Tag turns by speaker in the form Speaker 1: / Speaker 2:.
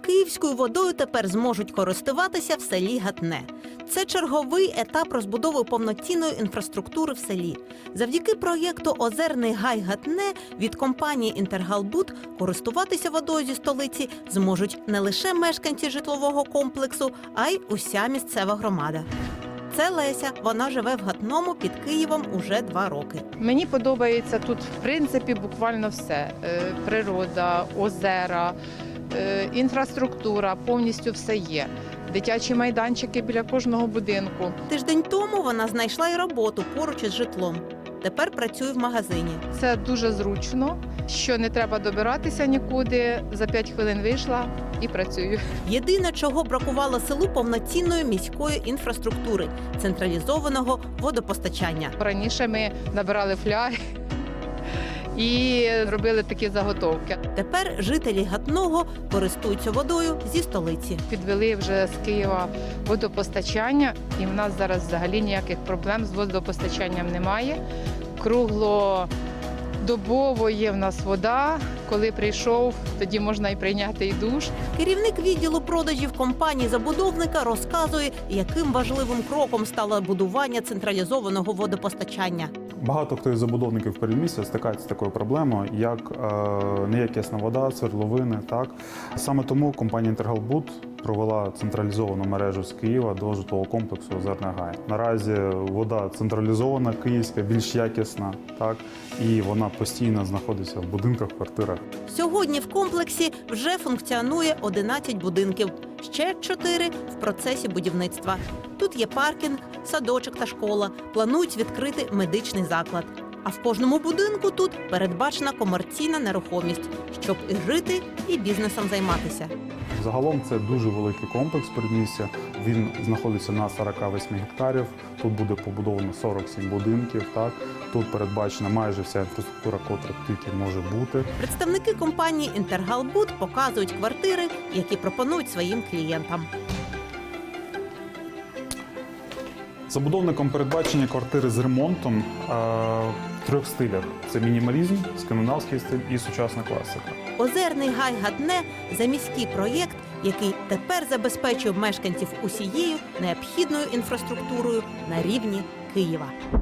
Speaker 1: київською водою тепер зможуть користуватися в селі Гатне. Це черговий етап розбудови повноцінної інфраструктури в селі. Завдяки проєкту «Озерний гай Гатне» від компанії «Інтергалбуд» користуватися водою зі столиці зможуть не лише мешканці житлового комплексу, а й уся місцева громада. Це Леся. Вона живе в Гатному під Києвом уже 2 роки.
Speaker 2: Мені подобається тут, в принципі, буквально все. Природа, озера, інфраструктура, повністю все є. Дитячі майданчики біля кожного будинку.
Speaker 1: Тиждень тому вона знайшла й роботу поруч із житлом. Тепер працює в магазині.
Speaker 2: Це дуже зручно, що не треба добиратися нікуди. За 5 хвилин вийшла і працюю.
Speaker 1: Єдине, чого бракувало селу – повноцінної міської інфраструктури, централізованого водопостачання.
Speaker 2: Раніше ми набирали фляги і робили такі заготовки.
Speaker 1: Тепер жителі Гатного користуються водою зі столиці.
Speaker 2: Підвели вже з Києва водопостачання, і в нас зараз взагалі ніяких проблем з водопостачанням немає. Круглодобово є в нас вода. Коли прийшов, тоді можна і прийняти і душ.
Speaker 1: Керівник відділу продажів компанії-забудовника розказує, яким важливим кроком стало будування централізованого водопостачання.
Speaker 3: Багато хто із забудовників передмістя стикається з такою проблемою, як неякісна вода, свердловини. Так? Саме тому компанія «Інтергалбуд» провела централізовану мережу з Києва до житлового комплексу «Озерний гай». Наразі вода централізована, київська, більш якісна, так? І вона постійно знаходиться в будинках, квартирах.
Speaker 1: Сьогодні в комплексі вже функціонує 11 будинків, ще 4 в процесі будівництва. Тут є паркінг, садочок та школа, планують відкрити медичний заклад. А в кожному будинку тут передбачена комерційна нерухомість, щоб і жити, і бізнесом займатися.
Speaker 3: Загалом це дуже великий комплекс передмістя. Він знаходиться на 48 гектарів. Тут буде побудовано 47 будинків. Так? Тут передбачена майже вся інфраструктура, котра тільки може бути.
Speaker 1: Представники компанії «Інтергалбуд» показують квартири, які пропонують своїм клієнтам.
Speaker 3: Забудовником передбачені квартири з ремонтом в 3 стилях. Це мінімалізм, скандинавський стиль і сучасна класика.
Speaker 1: «Озерний гай Гатне» – заміський проєкт, який тепер забезпечує мешканців усією необхідною інфраструктурою на рівні Києва.